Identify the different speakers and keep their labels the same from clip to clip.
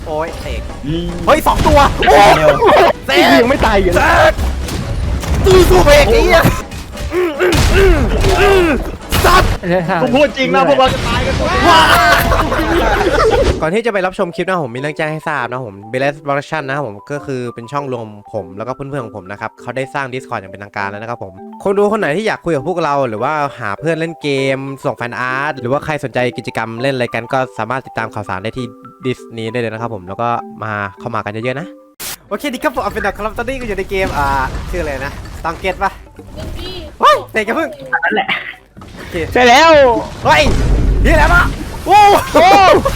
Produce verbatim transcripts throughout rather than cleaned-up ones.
Speaker 1: โอ้ยเสกเฮ้ยสองตัวโอ้เสก
Speaker 2: ยังไม่ตายอยู่เส
Speaker 1: กตู้สู้เบรกไอ้เหี้ยสัตว์
Speaker 2: กูพูดจริงนะพวกเราจะตายกันหมด
Speaker 1: ก่อนที่จะไปรับชมคลิปนะผมมีเรื่องแจ้งให้ทราบนะผม b e l e s Production นะครับผมก็คือเป็นช่องรวมผมแล้วก็เพื่อนๆของผมนะครับเขาได้สร้าง Discord อย่างเป็นทางการแล้วนะครับผมคนดูคนไหนที่อยากคุยกับพวกเราหรือว่าหาเพื่อนเล่นเกมส่งแฟนอาร์ตหรือว่าใครสนใจกิจกรรมเล่นอะไรกันก็สามารถติดตามข่าวสารได้ที่ดิสนี้ได้เลยนะครับผมแล้วก็มาเข้ามากันเยอะๆนะโอเคดีครับผมเอาเป็นดอกครับตอนนี้ก็อยู่ในเกมอ่าชื่ออะไรนะตังเกตปะเฮ้ยเสกอย่าเพิ่งนั่นแหละ
Speaker 2: ใช่แล้ว
Speaker 1: เฮ้ยนี่แหละปะโอ้โห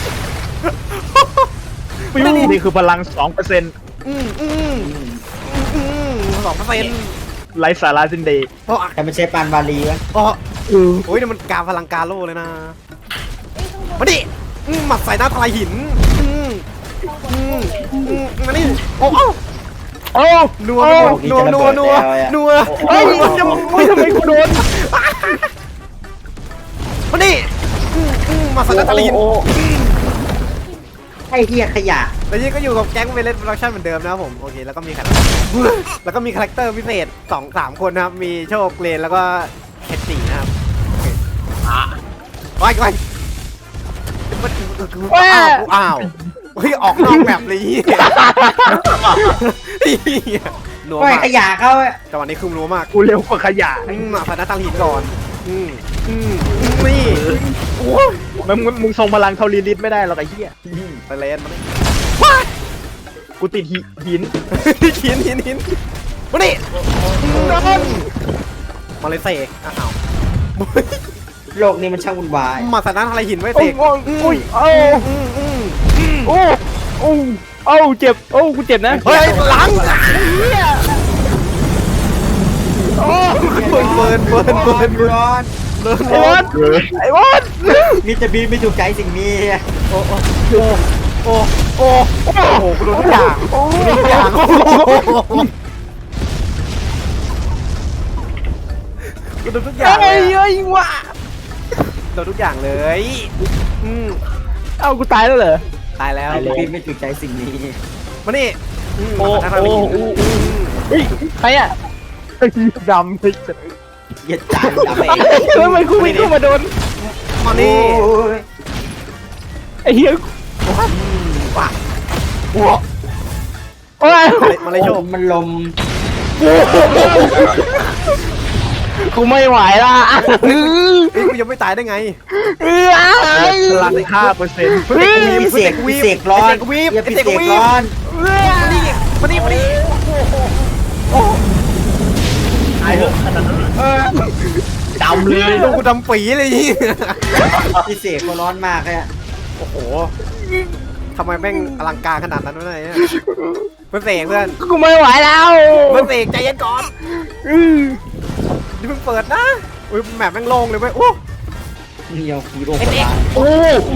Speaker 2: นี่คือพลัง สองเปอร์เซ็นต์
Speaker 1: อืมอืมอืมสองเปอร์เซ็นต์
Speaker 2: ไร้สาระสิ้นดี
Speaker 3: แต่ไม่ใช่ปานบาลีวะ
Speaker 1: อ๋อโอ้ยนี่มันการพลังกาโลเลยนะมาดิหมัดใส่หน้าทลายหินมาดิโอ้โอ้
Speaker 2: โอ้
Speaker 1: นัวนัวนัวนัวนัว
Speaker 2: เฮ้ยจะไม่ทำไมกูโดน
Speaker 1: มาดิมาใส่หน้าทลายหิน
Speaker 3: ไอ้เหี้ยขยะ
Speaker 1: แล้วนี่ก็อยู่กับแก๊งเวเลสโปรดักชั่นเหมือนเดิมนะครับผมโอเคแล้วก็มีคาแล้วก็มีคาแรคเตอร์พิเศษสองสามคนนะครับมีโชคเลนแล้วก็เฮดสี่นะครับไปไปอ้าวอ้าวเฮ้ยออกนอกแบบเลยนัวมาก
Speaker 3: ขยะเขา
Speaker 1: จังหวะนี้คือนัวมาก
Speaker 2: กูเร็วกว่าขยะ
Speaker 1: มาผ่านหน้าตังหินก่อนอืมอืมนี่โอ้ย
Speaker 2: มึงมึงทรงพลังเท่าลีลิทไม่ได้หรอกไอ้เหี้ย
Speaker 1: ไปเล่นมาเลย
Speaker 2: กูติดหินหิน
Speaker 1: หินหินหินมาดิมาเลยเสกอ้าว
Speaker 3: โลกนี้มันช่างวุ่นวาย
Speaker 1: มาสถานอะไรหินไว้เสก
Speaker 2: อุ้ยโอ้โอ้โอ้โอ้เจ็บโอ้กูเจ็บนะ
Speaker 1: เฮ้ยหลังโอ้เบิร์นเบิร์นเบิร์นเบิร์น
Speaker 3: ร้อน
Speaker 1: เบิร์น
Speaker 2: ไอ้วอนไอ้วอน
Speaker 3: มิสเตอร์บีไม่ถูกใจสิ่งนี้
Speaker 1: โอ้โอ้โอ้โอ้โอ้โหกูโดนทุกอย่างทุกอย่างกูโดนทุกอย่างเลย
Speaker 2: เฮ้ยว่ะ
Speaker 1: โดนทุกอย่างเลยอืม
Speaker 2: เอ้ากูตายแล้วเหรอ
Speaker 1: ตายแล้ว
Speaker 3: มิสเตอร์บีไม่ถูกใจสิ่งนี้
Speaker 1: มานี่
Speaker 2: โอ้โอ้เฮ้ยใครอ่ะดำเลย
Speaker 3: เย็ดจานดำเอง
Speaker 2: ทำไมกูวิ่งเข้ามาโดน
Speaker 1: มานี่
Speaker 2: ไอ้เหี้ย
Speaker 1: ว้าโอ้
Speaker 2: โอ้ย
Speaker 1: มาเลยโชค
Speaker 3: มันลม
Speaker 2: กูไม่ไหวละ
Speaker 1: เฮ้ยกูยังไม่ตายได้ไง
Speaker 2: พลังห้าเปอร์เซ็นต์
Speaker 3: มีเสกวีเสกร้อน
Speaker 1: วีบ
Speaker 3: เสกร้อน
Speaker 1: มาดิมาดิมาดิโอ้
Speaker 3: ไอ้เออ
Speaker 1: ดำเลยลูกกูดำปีเลย
Speaker 3: พี่เสกเขาร้อนมากเลย
Speaker 1: โอ้โหทำไมแม่งอลังการขนาดนั้นวะเนี่ยเพื่อนเสกเพื่อน
Speaker 2: กูไม่ไหวแล้ว
Speaker 1: เพื่อนเสกใจเย็นก่อนนี่เพิ่งเปิดนะอุ้ยแมปแม่งโล่งเลยเว้ยโอ้
Speaker 3: นี่เอาฮีโร่
Speaker 1: โอ้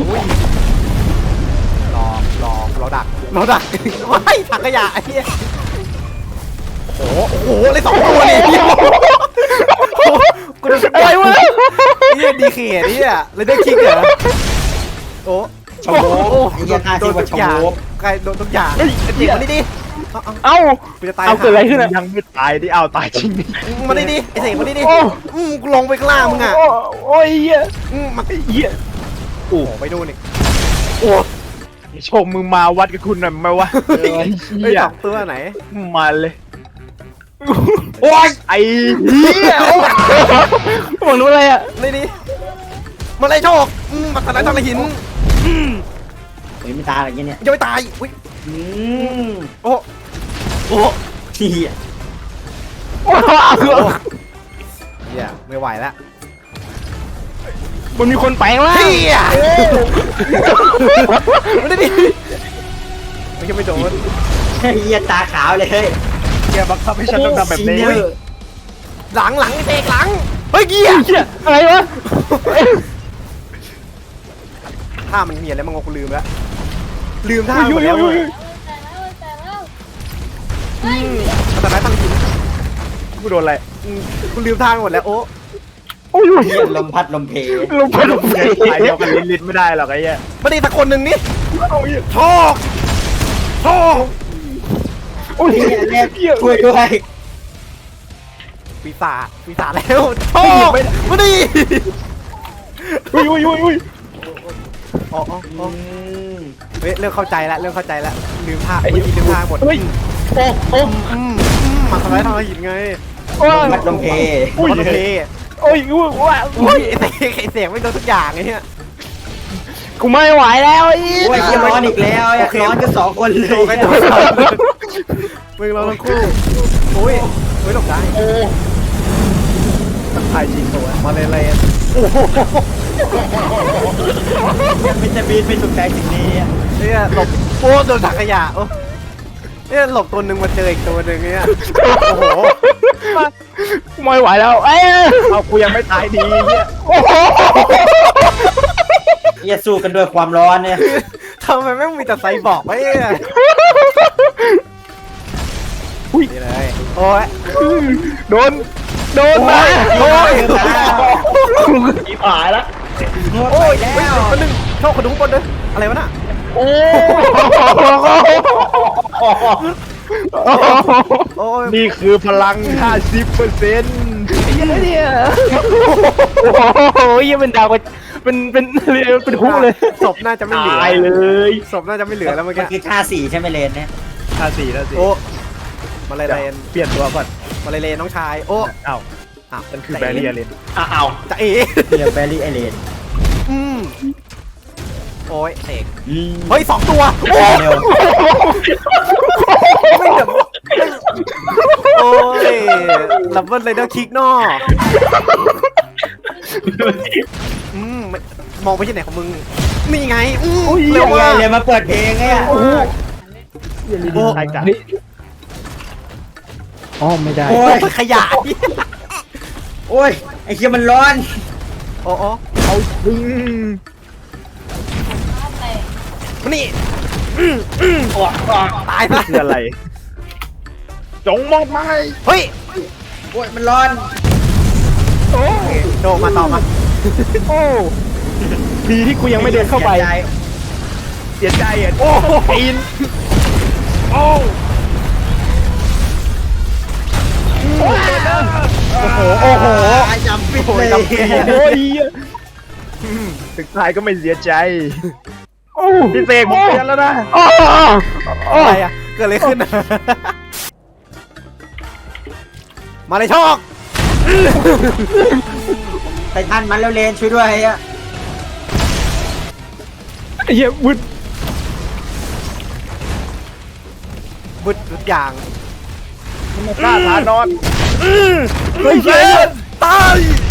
Speaker 1: หลอกหลอกเราดักเราดักว้ายถังขยะไอ้เหี้ยโอ้โหโอ้โหเลยสองตัวเลยกูจะอะไรวะนี่ดีเขียนี่อ่ะเลยได้คิกเหรอโอ้
Speaker 3: โอ้โหโดนทุกอย่าง
Speaker 1: ใครโดนทุกอย่างเด็กมาดิดิ
Speaker 2: เอ้า
Speaker 1: จะตาย
Speaker 2: เอาเกิดอะไรขึ้นยังไม่ตายดิเอาตายจริง
Speaker 1: มาดิดิไอ้เสกมาดิดิอืมกูลงไปข้างล่างมึงอ่ะ
Speaker 2: โอ้ยเหี้ย
Speaker 1: อืมมา
Speaker 2: เหี้ย
Speaker 1: โอ้ไปดูนี่
Speaker 2: โอ้ชมมึงมาวัดกับคุณหน่อยไหมวะ
Speaker 1: ไอ้สองตัวไหน
Speaker 2: มาเลย
Speaker 1: โอ้ย
Speaker 2: ไอ้เหี้ยมองรู้อะไรอ่ะ
Speaker 1: นี่ดิมาเลยโชคมาตายตายหิน
Speaker 3: เฮ้ยไม่ตายอะไรเงี้ยเนี่ย
Speaker 1: ยังไม่ตายอุ้ยโอ้โอ้
Speaker 3: เหี้ย
Speaker 1: โอ้เหี้ยไม่ไหวแล้ว
Speaker 2: มันมีคนแปลงแล้ว
Speaker 1: เฮียไม่ได้ดิไม่ใช่ไม่โดน
Speaker 3: เฮียตาขาวเลยเฮ้ย
Speaker 2: เฮียบังคับให้ฉันต้องทำแบบนี้
Speaker 1: หลังหลังเตะหลังเฮ้ยเฮีย
Speaker 2: เฮียอะไรวะ
Speaker 1: ท่ามันมีอะไรบ้างกูลืมแล้วลืมท่าหมดแล้วแต่ไหนตั้งหิน
Speaker 2: กูโดนอะไร
Speaker 1: กูลืมท่าหมดแล้วโอ้
Speaker 2: โอ้ย
Speaker 3: ลมพัดลมเพ
Speaker 2: ลมพัดลมเพสายเดียวกันลิ้นลิ้นไม่ได้หรอกไอ้เหี้ย
Speaker 1: ไม่ได้สักคนหนึ่งนี่โชคโอ้
Speaker 2: โอ้ย
Speaker 3: เฮียแม่
Speaker 2: เหี้ย
Speaker 3: ช่วยด้วย
Speaker 1: ปีศาจปีศาจแล้วโอ้มาดิ
Speaker 2: อุ้ยอุ้ยอุ้ยอุ้ย
Speaker 1: อ๋ออ๋ออ๋อ
Speaker 3: อืม
Speaker 1: เฮ้ยเริ่มเข้าใจแล้วเริ่มเข้าใจแล้วลืมท่าเมื่อกี้ลืมท่าหมด
Speaker 2: เฮ้ยโอ้โอ้
Speaker 1: อืมอืมมาทำร้ายทำร้ายหินไง
Speaker 2: โอ้ย
Speaker 3: พัดลมเพ
Speaker 2: อุ้ย
Speaker 1: โอเค
Speaker 2: โอ้ยอุ้ยว้า
Speaker 1: อุ้ยไอ้เสียงไอ้เสียงไม่โดนทุกอย่างไอ้เนี่ย
Speaker 2: กูไม่ไหวแล้วไอ้
Speaker 3: โอ้ยเฮียร้อนอีกแล้ว
Speaker 1: โอเค
Speaker 3: ร้อนกันสองคนเล
Speaker 1: โดนไป
Speaker 3: ย
Speaker 1: โดนมึงเราทั้งคู่โอ้ยโอ้ยหลบได้
Speaker 2: โอ้
Speaker 1: ตายจริงตัวมาเลยเลยโอ้โห
Speaker 3: ยังไม่จะบินไปสุดแสงสิ่งนี้อะ
Speaker 1: เนี่ยหลบโอ้โดนถังขยะโอ้เนี่ยหลบตัวหนึ่งมาเจออีกตัวหนึ่งเนี่ยโอ้โห
Speaker 2: กูไม่ไหวแล้วเอ้ยเอากูยังไม่ตายดีเนี่ยโอ้โห
Speaker 3: เฮียสู้กันด้วยความร้อนเนี่ย
Speaker 1: ทำไมแม่งมีแต่ไซบอร์กไว้เนี่ย
Speaker 2: อุ้ย
Speaker 1: นี่เลยโอ้ย
Speaker 2: โดนโดนมา
Speaker 1: โอ้ย
Speaker 2: อีผายแล้ว
Speaker 3: โอ้ยแล้
Speaker 1: เฮ้ยว คนหนึ่งโชคคนดูข้างบนด้วยอะไรวะน่ะ
Speaker 2: โอ้
Speaker 1: โอ้ย
Speaker 2: นี่คือพลัง ห้าสิบเปอร์เซ็นต์เนี่ยโอ้โหยังเป็นดาวเป็นเป็นเป็นหุ้เลย
Speaker 1: ศพน่าจะไม่เหลือ
Speaker 2: ตายเลย
Speaker 1: ศพน่าจะไม่เหลือแล้วเมื่อ
Speaker 3: มัน
Speaker 1: กี้
Speaker 3: คือค่าสี่ใช่ไหมเลนเนี่ย
Speaker 2: ห้าสี่ห้าสี่
Speaker 1: โอ้มาเลยเลน
Speaker 2: เปลี่ยนตัวก่อน
Speaker 1: มาเลยเลนน้องชายโอ้
Speaker 2: อ้าว
Speaker 1: อ้าว
Speaker 2: มันคือแบเรียเลนอ้าว
Speaker 1: จะเอ๋
Speaker 3: เฮียแบรี่ไอเลน
Speaker 1: อืมโอ้ยเสก
Speaker 3: อืม
Speaker 1: เฮ้ยสองตัว
Speaker 3: เร็ว
Speaker 1: ไม่เดี๋ยวโอ้ยลับเบิลเลยเดอร์คิกนออืมไม่มองไปที่ไหนของมึงนี่ไงอืมเร็
Speaker 3: เร็
Speaker 1: ว
Speaker 3: ว
Speaker 1: มาก
Speaker 3: เลยมาเปิดเพลงไงอะ
Speaker 2: โอ้โหยังมีดีไซน์กันอ๋อไม่ได้
Speaker 3: โอ้ย
Speaker 1: ขยาย
Speaker 3: โอ้ยไอ้เฮียมันร้อน
Speaker 1: โอ้โอ้
Speaker 2: เอาอืม
Speaker 1: มานี่อืมอืมตายซะ
Speaker 2: คืออะไรจงมองไป
Speaker 1: เฮ้ย
Speaker 3: โอ้ยมันร้อน
Speaker 2: โอ้
Speaker 1: โดมาต่อมา
Speaker 2: โอ้ดีที่กูยังไม่เดินเข้าไป
Speaker 3: สียใจ
Speaker 2: เสียใจอ่ะโอ้ปีนโอ้
Speaker 1: โอ้โหโอ้โห
Speaker 3: จำปิดเลย
Speaker 2: โอ้ยถึงตายก็ไม่เสียใจโอ้พี่เสกผมเตือนแล้วนะโอ้
Speaker 1: อะไรอะเกิดอะไรขึ้นอะมาเลยโชค
Speaker 3: ไททันมันแล้วเลนช่วยด้วยอะ
Speaker 2: เหี้ยวุ้น
Speaker 1: บึดทุกอย่าง
Speaker 2: มันฆ่าฐานนอน
Speaker 1: เฮ้ยเฮ้ยตาย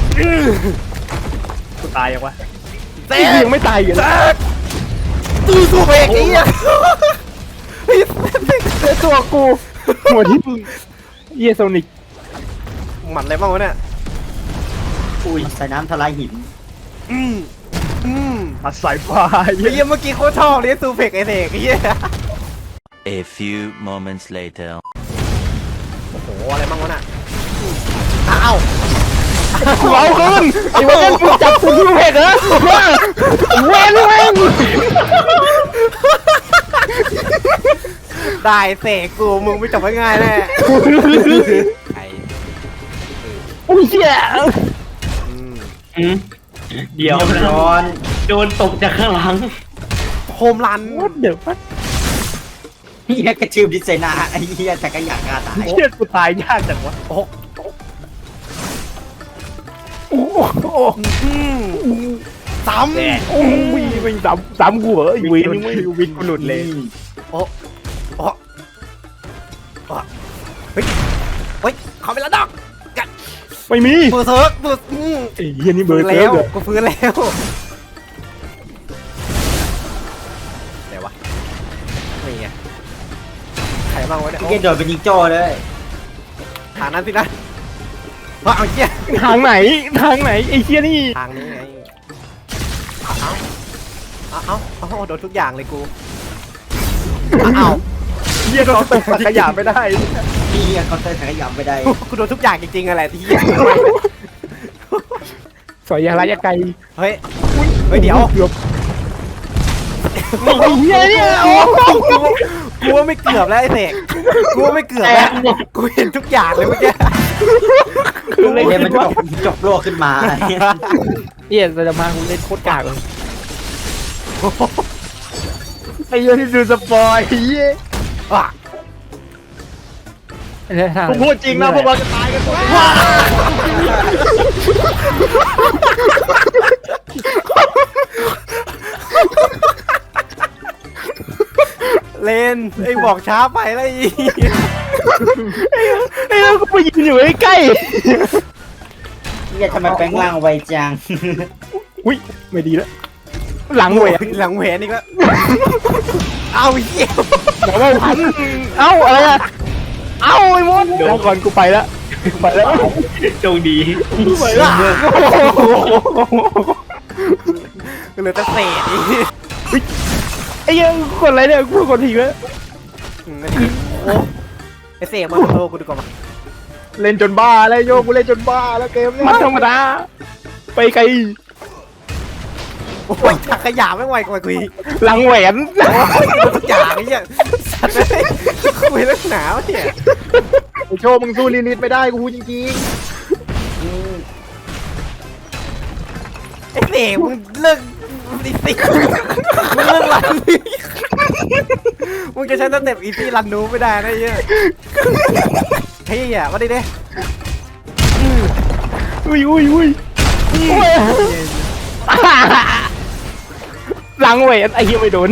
Speaker 2: กูตายยังวะ
Speaker 1: เตะ
Speaker 2: ยังไม่ตายอยู่นะ
Speaker 1: ตู้สู้เอกไอ้เหี้ยเฮ้ย
Speaker 2: เจอตัวกูหัวที่เยโซนิก
Speaker 1: หมัดอะไรบ้างวะเนี่ย
Speaker 3: อุ้ยใส่น้ำทลายหิน
Speaker 1: อืมอืม
Speaker 2: มาสายฟ้า
Speaker 1: ไอ้เหี้ยเมื่อกี้โคตรชอบเลยซูเฟกไอเด็กไอ้เหี้ย
Speaker 4: A few moments later.
Speaker 1: โอ้โหอะไรบ้างวะน่ะอ้าว
Speaker 2: กูเอาขึ้นไอ้วันนั้นกูจับกูที่เพจเหรอเว้นเว้น
Speaker 1: ได้เสกกูมึงไม่จบง่ายๆแน่ไอ้
Speaker 2: อุ้ยเชี่ย
Speaker 1: อืม
Speaker 3: เดี๋ยวร้อน
Speaker 5: โดนตกจากข้างหลัง
Speaker 1: โฮมรัน
Speaker 2: วัดเดี๋ยววัด
Speaker 3: เฮียกระชืบดิเซนาไอ้เฮียแต่ก็อยากกาตาย
Speaker 2: เชี่ยกูตายยากจังวะ
Speaker 1: โอ้โห
Speaker 2: โอ้โห
Speaker 1: อืมซ้ำ
Speaker 2: โอ้ยวิ่งสามสามกูเหรอไอ้วินไม่วินกูหลุดเลย
Speaker 1: โอ้โอ้โอ้เฮ้ยเฮ้ยเขาไปแล้วดอกกัน
Speaker 2: ไม่มี
Speaker 1: เบอร์เซิร์กเบอร์อืม
Speaker 2: ไอ้เหี้ยนี่เบอ
Speaker 1: ฟื้
Speaker 2: ร์
Speaker 1: น
Speaker 2: เซิ
Speaker 1: แล้
Speaker 2: ร์
Speaker 1: ว
Speaker 2: ฟเหรอ
Speaker 1: กูฟื้นแล้วไหนวะนี่ไงใครบ้างวะเนี่ย
Speaker 3: เฮียโดดเป็นยิงโจ้เลย
Speaker 1: ทางนั้นสินะว่าเอาเชี่ย
Speaker 2: ทางไหนทางไหนไอ้เชี่ยนี่
Speaker 1: ทางนี้ไงเอาเอาเอาเอาเอาโดนทุกอย่างเลยกูเอา
Speaker 2: เหี้ยเขาตกสักขยะไม่ได้
Speaker 3: เฮียเขาเตยถังขยำไปได้
Speaker 1: กูโดนทุกอย่างจริงๆอะไรที่
Speaker 2: สอยยาระยะไกล
Speaker 1: เฮ้ยเฮ้ยเดี๋ยว
Speaker 2: เกือบไอ้เหี้ยเนี่ยโอ้
Speaker 1: กูว่าว่าไม่เกือบแล้วไอ้เสกกูว่าไม่เกือบแล้วกูเห็นทุกอย่างเลยเมื่อกี้
Speaker 2: คือเล่น
Speaker 3: เดี๋ยวมันจบจบโลกขึ้นมา
Speaker 2: เหี้ยเราจะมากูเล่นโคตรกากเลยไอ้เหี้ยที่ดูสปอยเหี้ย
Speaker 1: อ่ะ
Speaker 2: กูพูดจริงนะพวกเราจะตายกันหมด
Speaker 1: เลนไอ้บอกช้าไปแล้วอี
Speaker 2: ไอ้เราก็ไปยืนอยู่ใกล้
Speaker 3: เฮียทำไมแปลงร่างไวจัง
Speaker 2: ๆอุ้ยไม่ดีแล้วหลัง
Speaker 1: ห
Speaker 2: เว
Speaker 1: วย
Speaker 2: ท
Speaker 1: หลังแหวนอีกแล้วเอาเหี้ย
Speaker 2: บอกว่าพันเอ้าอะไรอะเอ้าไอ้มดเดี๋ยวก่อนกูไปแล้วกูไปแล้ว
Speaker 5: โชคดี
Speaker 2: กูไปแล้ว
Speaker 1: เหลือแต่เศษอีก
Speaker 2: ไอ้เหี้ยังกดอะไรเนี่ยกูกดทีแล้ว
Speaker 1: อืมนั่นดิโอ้ไอ้เสกมาขอโทษกูดีกว่ามา
Speaker 2: เล่นจนบ้าแล้วโยกูเล่นจนบ้าแล้วเกมนี้มันธรรมดาไปไกล
Speaker 1: โอ้ยถักขยะไม่ไหวกว่ากูอีก
Speaker 2: หลังแหวน
Speaker 1: โอ้ยทุกอย่างไอ้เหี้ยสัตว์เลยคุยเรื่องหนาวเนี่ย
Speaker 2: ไอโชว์มึงสู้ลิลิตไม่ได้กูพูดจริง
Speaker 1: ไอ้เสกมึงเลิกอีซี่มึงเลิกรันนี่มึงจะใช้สเต็ปอีซี่รันนูไม่ได้นะไอ้เหี้ยเฮ้ยอ่ะมาดิเด้
Speaker 2: ๆอุ้ยอุ้ยอุ้ยหลังแหวนไอ้เหี้ยไม่โดน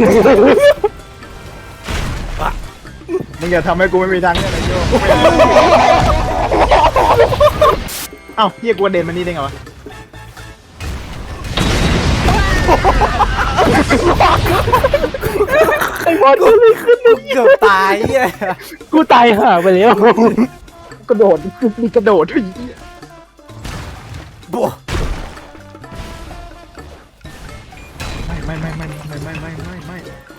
Speaker 2: มึงอย่าทำให้กูไม่มีทางเนี่ยไอโชว์เอ้าเฮียกูเด่นมันนี่ได้ไงวะไอ้บอลกูเลยขึ้น
Speaker 1: กูเกือบตายเหี้ย
Speaker 2: กูตายห่าไปแล้วกระโดดมีกระโดดด้วย
Speaker 1: บัว
Speaker 2: ไม่ไม่ไม่ไม่ไม่ไม่ไม่ไม่ไม่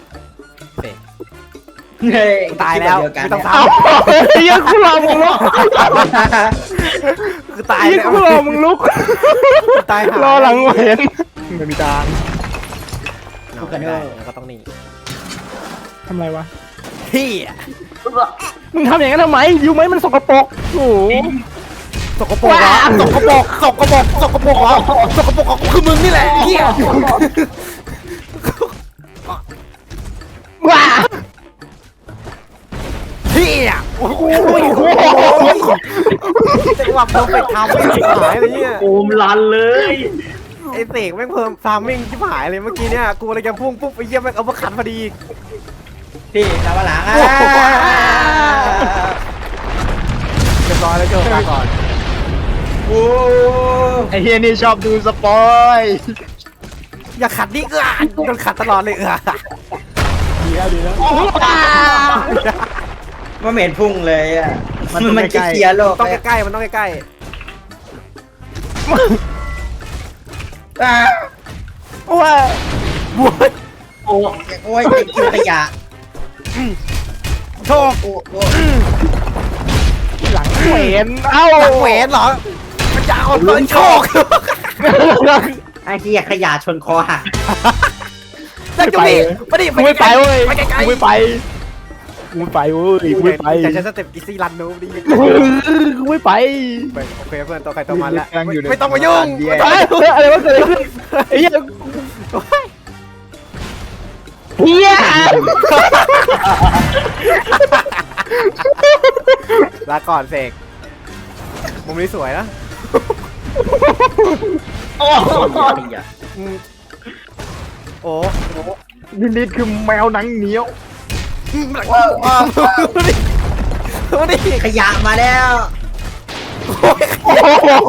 Speaker 3: เฮ้ย
Speaker 1: ตายแล้ว
Speaker 3: เดียวกัน
Speaker 1: ไม่ต้อง
Speaker 3: เนี่ย
Speaker 1: ท
Speaker 2: เฮียกูรอมึงลุก
Speaker 1: ำคือตาย
Speaker 2: เฮีย
Speaker 1: แล้ว
Speaker 2: กูรอมึงลุก
Speaker 1: ตายหาร
Speaker 2: อหลังแหวนไม่มีทาง
Speaker 1: เอาไม่ได้แล้วก็ต้องนี่
Speaker 2: ทำไรวะ
Speaker 1: พี่
Speaker 2: มึงทำอย่างนั้นทำไมยูไหมมันสกปรกโอ้โห
Speaker 1: สกปรกเหรอสกปรกสกปรกสกปรกเหรอสกปรกของกูคือมึงนี่แหละเหี้ย
Speaker 2: ว้า
Speaker 1: พี่อ่ะโอ้โหจังหวะเพอร์เฟกต์ทำไม่ชิบหายเลยเนี่ย
Speaker 5: โอมลันเลย
Speaker 1: ไอ้เสกแม่งเพิ่มทามมิ่งชิบหายเลยเมื่อกี้เนี่ยกูเลยจะพุ่งปุ๊บไปเยี่ยมแม่งเอามาขันพอดี
Speaker 3: พี่ตามมาหลังอ่ะ
Speaker 1: เรียบร้อยแล้วโจลาก่อน
Speaker 3: โอ้
Speaker 2: ไอเฮียนี่ชอบดูสปอย
Speaker 1: อย่าขัดดิเอื้อโดนขัดตลอดเลยเอื้อ
Speaker 2: ดีแล้วดีแล้ว
Speaker 3: มันเหม็นพุ่งเลยอ่ะ
Speaker 2: มัน
Speaker 3: มัน
Speaker 2: ใก
Speaker 3: จะ
Speaker 2: ล้ๆ
Speaker 3: เคลียร์โลก
Speaker 1: ต้อง
Speaker 3: เลย
Speaker 1: ใกล้ๆมันต้องใกล้
Speaker 3: อ่ะ
Speaker 2: ว้า
Speaker 1: ๆบวย
Speaker 5: โอ้
Speaker 3: โอ้ยไอ้คิวขยะ
Speaker 1: โชค
Speaker 3: โอ้โอ้
Speaker 2: หลังแหวนเอ้า
Speaker 1: หลังแหวนเหรอมันจะเอาตอนโชค
Speaker 3: ไอ้เหี้ยขยะชนคอหัก
Speaker 1: นั่นก็มีมาดิ
Speaker 2: กูไม่ไปเว้ย
Speaker 1: ไปไกล
Speaker 2: กูไม่ไปกูไม่ไปเว้ยกูไม่ไป
Speaker 1: อยากจะสเต็ปอีซี่รันนูดิ
Speaker 2: กูไม่ไป
Speaker 1: โอเคเพื่อนตัวใครตัวมันละ
Speaker 2: กำลังอยู่ใน
Speaker 1: ไม่ต้องมายุ่ง
Speaker 2: เดียว
Speaker 1: ไม่ต้อง
Speaker 2: เฮ้ยอะไรวะเกิดอะไรขึ้นไอ้เหี้ยเฮีย
Speaker 1: ลาก่อนเสกมุมนี้สวยนะ
Speaker 3: ขยะ
Speaker 1: อืมโอ้
Speaker 2: ลิลิตคือแมวหนังเหนียว
Speaker 1: ว้าวว้าวมาดิ
Speaker 3: ขยะมาแล้ว
Speaker 2: โอ้โห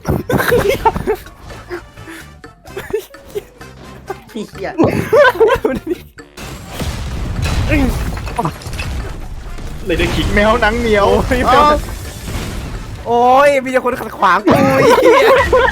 Speaker 3: พี่เหี้ย
Speaker 5: เลยได้คิก
Speaker 2: แมวหนังเหนียว
Speaker 1: อ้าวโอ้ยมีแต่คนขัดขวางกูไอ้เหี้ย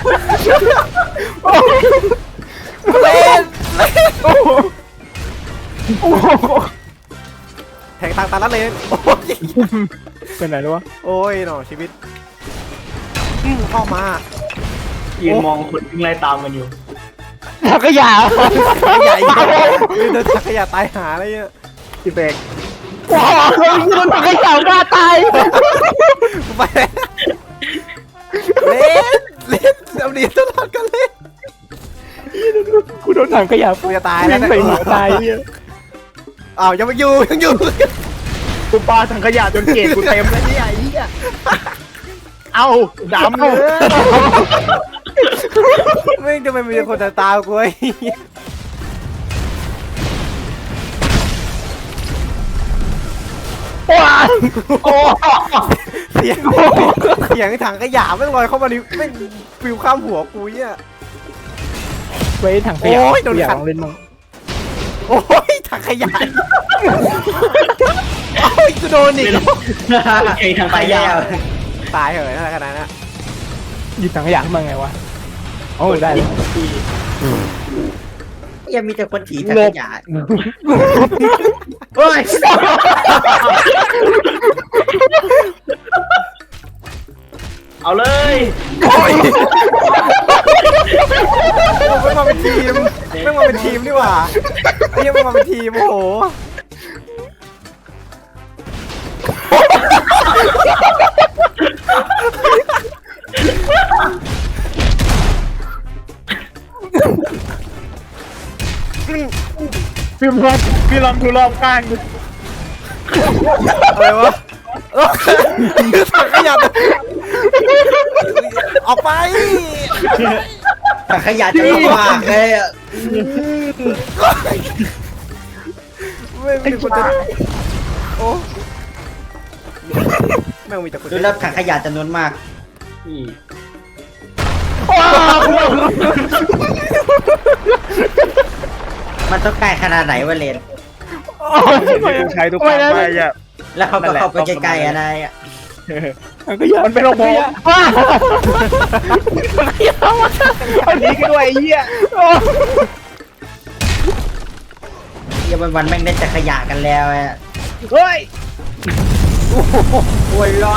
Speaker 1: เล่น
Speaker 2: โอ้โหโอ้โห
Speaker 1: แทงตางตาละเลนโอ้ย
Speaker 2: เป็นไหนแล้ววะ
Speaker 1: โอ้ยหนอชีวิตอืมเข้ามา
Speaker 5: ยืนมองคนวิ่งไล่ตามกันอยู่
Speaker 2: ถักขยะ
Speaker 1: ขยะอีกเดินถักขยะตายหาอะไรเงี้ย
Speaker 2: พี่เบกว้าวโดนถังขยะฆ่าตาย
Speaker 1: กูไปเล่นเล่นเอาดีตลอดกันเล่น
Speaker 2: กูโดนถังขยะ
Speaker 1: กูจะตายแล้ว
Speaker 2: ใส่หัวตายเหี้ย
Speaker 1: อ้าวยังไม่อยู่ยังอยู่
Speaker 2: กูปาถังขยะจนเกล็ดกูเต็มแล้วเนี่ยไอ้เหี้ยเอาดำเลย
Speaker 1: ไม่ทำไมมีคนตาตากูไอ้
Speaker 2: ว้าวโอ้
Speaker 1: เสียงเสียงถังขยะไม่ลอยเข้ามานี่ไม่ฟิวข้ามหัวกูเนี่ย
Speaker 2: ไว้ถังขยะ
Speaker 1: โอ้ยโดน
Speaker 2: อยาก
Speaker 1: ขัด
Speaker 2: ลองเล่นมั้ง
Speaker 1: โอ้ยถังขยะโอ้ยกูโดนอีก
Speaker 5: ไอ้ทาง
Speaker 3: ไป
Speaker 5: ข
Speaker 3: แล้
Speaker 5: ยะ
Speaker 3: ว
Speaker 1: ตายเหอะอะไรขนาดนั้น
Speaker 2: หยิบถังขยะขึ้นมาไงวะโอ้ยได้เลย
Speaker 3: ยังมีแต่คนถีถังขยะ
Speaker 2: เฮ้ย
Speaker 5: เอาเลย
Speaker 1: โอ้ยไม่มาเป็นทีมไม่มาเป็นทีมดีกว่าไอ้เหี้ยังไม่มาเป็นทีมโอ้โห
Speaker 2: พี่ลองพี่ลองดูรอบข้าง
Speaker 1: อะไรวะเออถังขยะออกไป
Speaker 3: ถังขยะจะลงมากเลยอะ
Speaker 1: ไม่มีคนจะโอ้ไม่งมีแต่คน
Speaker 3: ดูแล้วถังขยะจำนวนมาก
Speaker 5: นี่
Speaker 3: มันต้องใกล้ขนาดไหนวะเลน
Speaker 2: ใช้ทุกครั้งไปอ่ะ
Speaker 3: แล้วเขาก็เข้าไปใกล้ๆอะไรอะ
Speaker 2: มันเป็นระบบอันนี้ก็ด้วยไอ้เหี้ย
Speaker 3: เดี๋ยววันๆแม่งได้แต่ขยะกันแล้วอะ
Speaker 2: เฮ้ย
Speaker 3: โอ้ยร้อน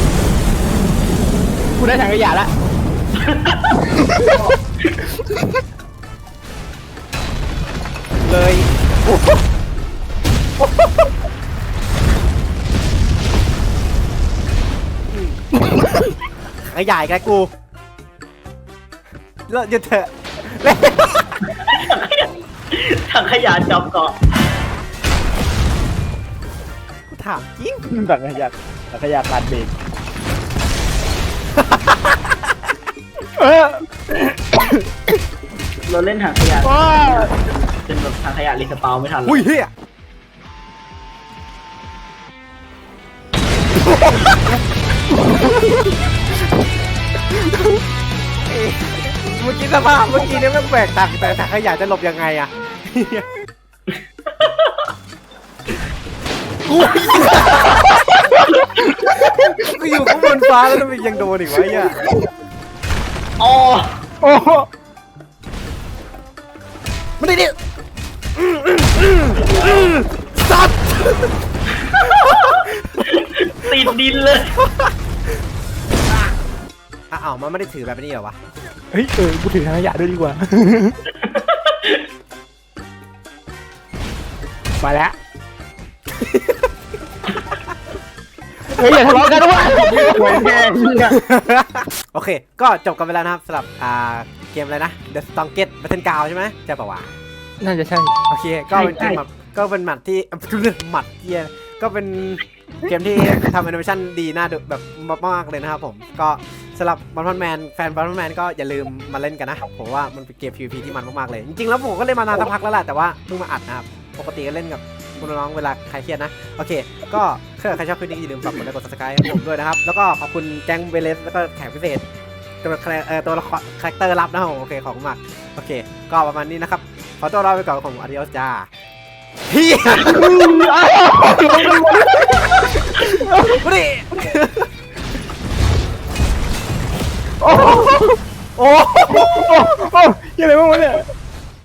Speaker 2: กูได้ถังขยะละ
Speaker 1: เลยขยายกันกูเลิกหยุดเถอะ
Speaker 5: ถังขยะจับเกาะ
Speaker 1: กูถามจริง
Speaker 2: ถังขยะถังขยะขาดเบรกเออ
Speaker 5: เราเล่นถังขยะ
Speaker 2: ว้า
Speaker 5: เป็นแบบถังขยะรีสปาวไม่ทัน
Speaker 1: อุ้ยเฮียเมื่อกี้สภาพเมื่อกี้เนี่ยแม่งแบกตักแต่ถังขยะจะหลบยังไงอะอุ้ยกูอยู่ข้างบนฟ้าแล้วทำไมยังโดนอีกวะเนี่ย
Speaker 5: อ๋อ
Speaker 2: โอ้
Speaker 1: มาดิดิสัตว์
Speaker 5: ติดดินเลย
Speaker 1: อ้าวมันไม่ได้ถือแบบนี้เหรอวะ
Speaker 2: เฮ้ยเออกูถือถังขยะด้วยดีกว่ามาแล้วเฮ้ยอย่าทะเลาะกันด้วยหวยแพงเนี่ย
Speaker 1: โอเค ก็จบกันไปแล้วนะครับสำหรับอ่าเกมอะไรนะ The Strongest Battle Ground ใช่ไหมใช่ปะวะ
Speaker 2: น่าจะใช่
Speaker 1: โอเค ก็เป็นเกมแบบก็เป็นหมัดที่ หมัดเกียก็เป็นเกมที่ทำแอนิเมชั่นดีน่าดูแบบมากๆเลยนะครับผม ก็สำหรับบัตทอนแมนแฟนบัตทอนแมนก็อย่าลืมมาเล่นกันนะผมว่ามันเป็นเกม พี วี พี ที่มันมากๆเลย จริงๆแล้วผมก็เล่นมานานสักพักแล้วแหละแต่ว่าเพิ่งมาอัดนะครับ ปกติก็เล่นกับคุณน้องเวลาใครเครียดนะ โอเค ก็ถ้าใครชอบคลิปนี้อย่าลืมฝากกดไลค์กด ซับสไครบ์ ให้ผมด้วยนะครับ แล้วก็ขอบคุณแจ็งเบเลสแล้วก็แขกพิเศษ ตัวละครเอ่อตัวละครคาแรคเตอร์ลับนะครับผมโอเคขอบคุณมากโอเค ก็ประมาณนี้นะครับ ขอตัวลาไปก่อนของอาดิโอสจ้าเฮีย